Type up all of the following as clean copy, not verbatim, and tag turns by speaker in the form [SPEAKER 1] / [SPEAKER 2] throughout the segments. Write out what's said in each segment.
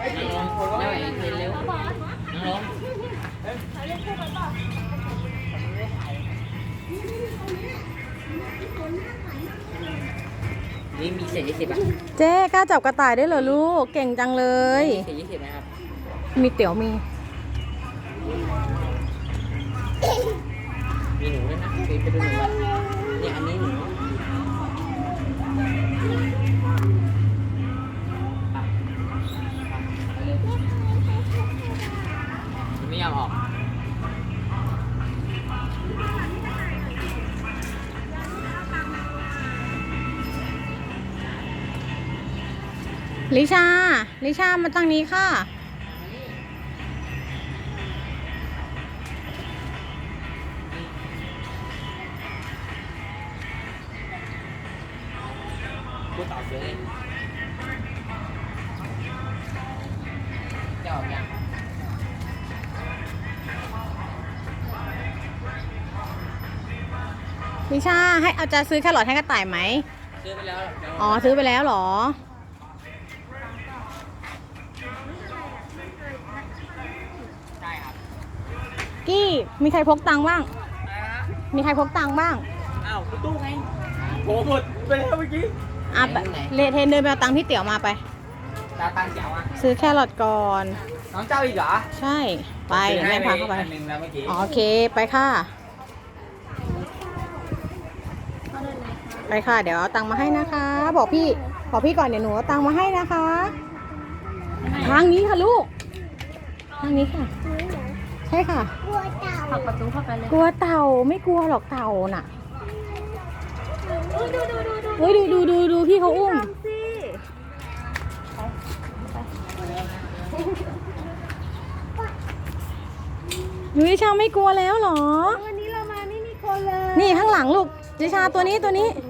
[SPEAKER 1] นั่งลงไม่ไหวเทนเร็วนั่งลงนี่มีเศษ20อ่ะ
[SPEAKER 2] เจ๊กล้าจับกระต่ายได้เหรอลูกเก่งจังเลย
[SPEAKER 1] เศษ20นะครับ
[SPEAKER 2] มีเตี๋ยวมี
[SPEAKER 1] มีหนูด้วยนะไปดูหนูก่อนเนี่ยอันนี้หนูไม่ยอมออก
[SPEAKER 2] ลิชามาตั้งนี้ค่ะ
[SPEAKER 1] พูดต่อเลยจะออกยัง
[SPEAKER 2] ลิชาให้เอาจะซื้อแครอทให้กระต่ายไหม
[SPEAKER 1] ซื้อไปแล้ว
[SPEAKER 2] อ๋อซื้อไปแล้วเหรอ
[SPEAKER 1] ใช่ครับ
[SPEAKER 2] กี้มีใครพกตังค์บ้างมีใครพกตังค์บ้าง
[SPEAKER 1] อ้าวคุณตู้ไงโหหมดไปแล้วเมื่อกี้
[SPEAKER 2] อ่ะเลเทนเดินไปเอาตังค์ที่เตี๋ยวมาไป
[SPEAKER 1] ตาตังเจ๋วอ่ะ
[SPEAKER 2] ซื้อแครอทก่อน
[SPEAKER 1] น้องเจ้าอีกเหรอ
[SPEAKER 2] ใช่ไปเดี๋ยวแม่พาเข้าไป
[SPEAKER 1] อันหนึ่งแล้วเมื่อกี้
[SPEAKER 2] อ๋อโอเคไปค่ะไปค่ะเดี๋ยวเอาตังค์มาให้นะคะ บอกพี่ก่อนเดี๋ยวหนูเอาตังค์มาให้นะคะทางนี้ค่ะลูกทางนี้ค่ะใช่ค่ะ
[SPEAKER 3] ผลักประตูเข้าไปเลย
[SPEAKER 2] กลัวเต่าไม่กลัวหรอกเต่าน่ะ
[SPEAKER 3] ดู
[SPEAKER 2] เฮ้ยดูพี่เขาอุ้ม
[SPEAKER 3] สิ
[SPEAKER 2] หนูนิชาไม่กลัวแล้วเหรอ
[SPEAKER 3] วันนี้เรามาไม่มีคนเลย
[SPEAKER 2] นี่ข้างหลังลูกนิชาตัวนี้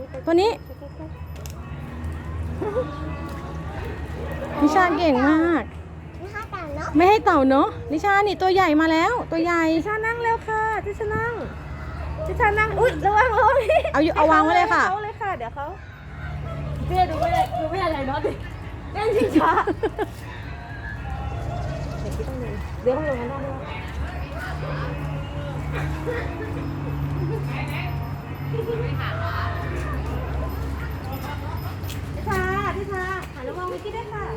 [SPEAKER 2] นิชาเก่งมาก ไม่ให้เต่าเนาะนิชานี่ตัวใหญ่มาแล้วตัวใหญ่
[SPEAKER 3] ทิชานั่งเร็วค่ะทิชานั่งอุ้ยระวัง
[SPEAKER 2] เอาวางไว้เลยค่ะ
[SPEAKER 3] เขาเลยค่ะเดี๋ยวเขาเบี้ยดูไม่อะไรเนาะดิเล่นชิงช้าเดี๋ยวต้องลงกันได้ด้วยทิชาหันระวังวิกกี้ด้วยค่ะ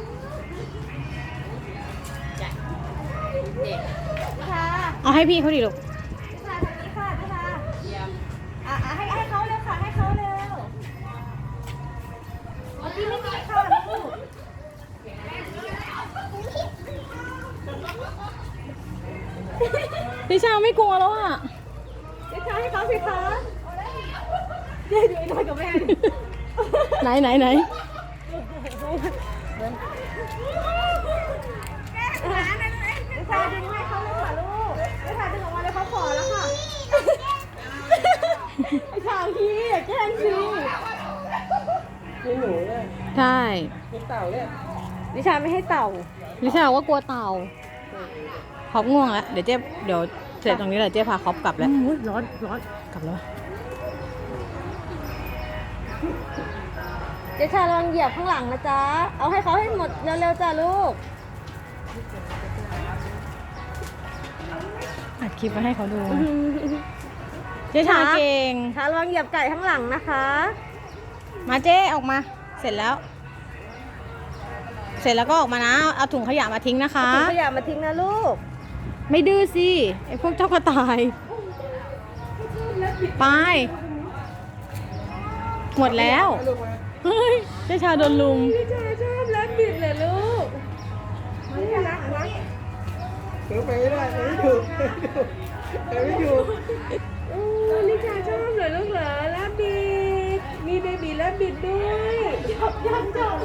[SPEAKER 3] ทิชา
[SPEAKER 2] เอาให้พี่เขาดิลูก
[SPEAKER 3] ทิชาทางนี้ค่ะทิชาให้เขาเร็วค่ะให้เขาเร็ววิกกี้ไม่มีค่ะลูก
[SPEAKER 2] นิชาไม่กลัวแล้วอ่ะ
[SPEAKER 3] ทิชาให้เขาสิคะเดี๋ยวดูไอ้น้อยกับแม่ดิ
[SPEAKER 2] ไหน
[SPEAKER 3] ทิชาดึงให้เขาเลยค่ะลูกทิชาดึงออกมาเลยเขาขอแล้วค่ะไอ้ชาวพี่อย่าแกล้งสิ
[SPEAKER 1] มีหนูเลย
[SPEAKER 2] ใช่
[SPEAKER 1] มีเต่าเลย
[SPEAKER 3] ทิชาไม่ให้เต่า
[SPEAKER 2] นิชาว่ากลัวเต่าครอบง่วงแล้วเดี๋ยวเสร็จตรงนี้เลยเจ๊พาครอบกลับแล้ว
[SPEAKER 3] ร้อน
[SPEAKER 2] กลับแล้ว
[SPEAKER 3] เจ๊ชาลองเหยียบข้างหลังนะจ๊ะเอาให้เขาให้หมดเร็วๆจ้ะลูก
[SPEAKER 2] อัดคลิปมาให้เขาดูเจ๊ชาเก่ง
[SPEAKER 3] ชาลองเหยียบไก่ข้างหลังนะคะ
[SPEAKER 2] มาเจ๊ออกมา เสร็จแล้วก็ออกมานะเอาถุงขยะมาทิ้งนะคะ
[SPEAKER 3] ถุงขยะมาทิ้งนะลูก
[SPEAKER 2] ไม่ดื้อสิไอพวกเจ้ากระต่ายไปหมดแล้วเฮ้ยเจ๊ชาโดนลุม
[SPEAKER 3] พี่ชาชอบรักบิดเลยลูกนี่รักนะ
[SPEAKER 1] เดี๋ยวไปไม่ได้ไม่ถูกไม่ถูก
[SPEAKER 3] ลิชาชอบเหรอลูกเหรอรักบิดมีเบบีรักบิดด้วยชอบ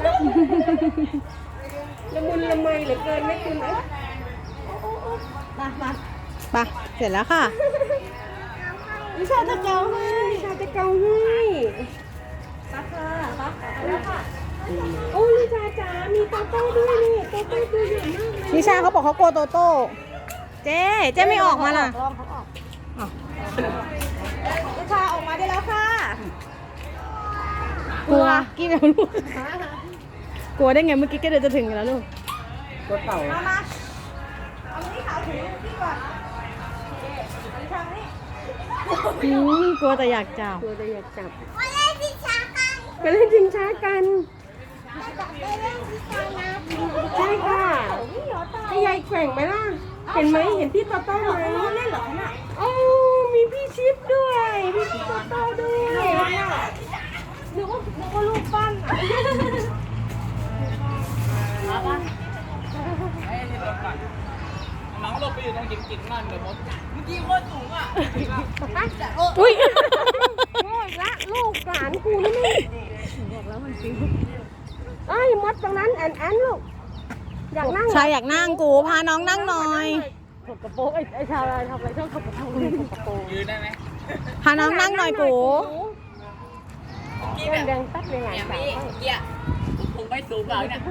[SPEAKER 3] ละมุนละไมเหลือเกินไม่คุณเอ้ยมา
[SPEAKER 2] ไปเสร็จแล้วค่ะ
[SPEAKER 3] ลิชาจะเกาให้ปักค่ะปักแล้วค่ะโอ้ลิชาจ๋ามีโตโต้ด้วยนี่โตโต้ตัวใหญ่มากเลย
[SPEAKER 2] นิชาเขาบอกเขากลัวโตโต้เจ๊ไม่ออกมาล่ะ
[SPEAKER 3] ลองเขาออก
[SPEAKER 2] อ้าว
[SPEAKER 3] ลิชาออกมาได้แล้วค่ะ
[SPEAKER 2] กลัวกี้แล้วลูกกลัวได้ไงเมื่อกี้ก็เดินจะถึงอยู่แล้วลูก
[SPEAKER 1] ตัวเต่า
[SPEAKER 2] มาเอานี้ขาถือพี่ก่อนทางนี้กลัวแต่อยากจับ
[SPEAKER 3] ตัวจะอยากจับไปเล่นชิงช้ากัน ใช่ค่ะให้ยายแกว่งไหมล่ะ เห็นไหมเห็นพี่โตโต้ไหมเล่นเหรอน่ะโอ้มีพี่ชิปด้วยพี่โตโต้ด้วยนึกว่าลูกปั้น
[SPEAKER 1] น้องหลบไปอยู่ตรงจิ๋มๆนั่นเดี๋ยวมดเมื่อกี้โคตรสูงอ่ะ
[SPEAKER 2] อุ้ย
[SPEAKER 3] โง่อีกละลูกหลานกูนี่ไม่บอกแล้วมันฟิวเอ้ยมดตรงนั้นแอนลูกอยากนั่ง
[SPEAKER 2] ชายอยากนั่งกูพาน้องนั่งหน่อย
[SPEAKER 3] ถกกระโปรงไอ้ชาวอะไรทำอะไรชอบถกกระโปรงถกกระโปรง
[SPEAKER 1] ยืนได้ไหม
[SPEAKER 2] พาน้องนั่งหน่อยกู
[SPEAKER 3] แดงแป๊บเลยไงสาว
[SPEAKER 1] ผมไม่สูงเลยเนี่ย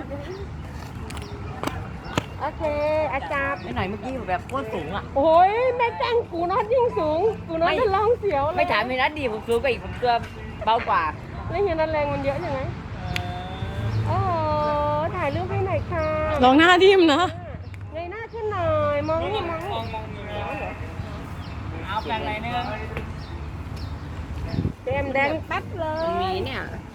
[SPEAKER 3] โอเคอาจารย์
[SPEAKER 1] ไม่หน่อยเมื่อกี้แบบโคตรสูงอ่ะ
[SPEAKER 3] โอ้ยแม่แจ้งกูน็อตยิ่งสูงกูน็อตจะร้องเสียวเลย
[SPEAKER 1] ไม่ถามมีนัดดีผมสูงกว่าอีกผมตัวเบากว่า
[SPEAKER 3] แล้วเฮียนันแรงมันเยอะยังไงโอ้โหถ่ายรูปให้หน่อยค่ะ
[SPEAKER 2] ลองหน้าทิ่มนะ
[SPEAKER 3] เงยหน้าขึ้นหน่อยมองนี่มองนี่
[SPEAKER 1] เอาแปลงอะไรเนี่ย
[SPEAKER 3] เต็มแดงแป๊บเลย
[SPEAKER 1] มีเนี่ย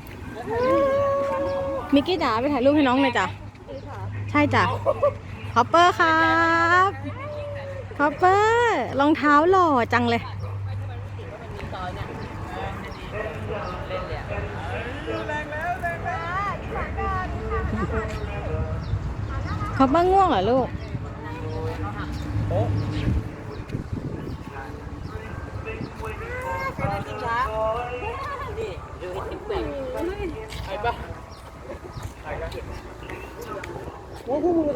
[SPEAKER 2] มิกกี้จ๋าไปถ่ายรูปให้น้องหน่อยจ้ะ ใช่จ้ะคอปเปอร์ครับคอปเปอร์รองเท้าหล่อจังเลยคอปเปอร์ง่วงเหรอลูก
[SPEAKER 1] ไปปะ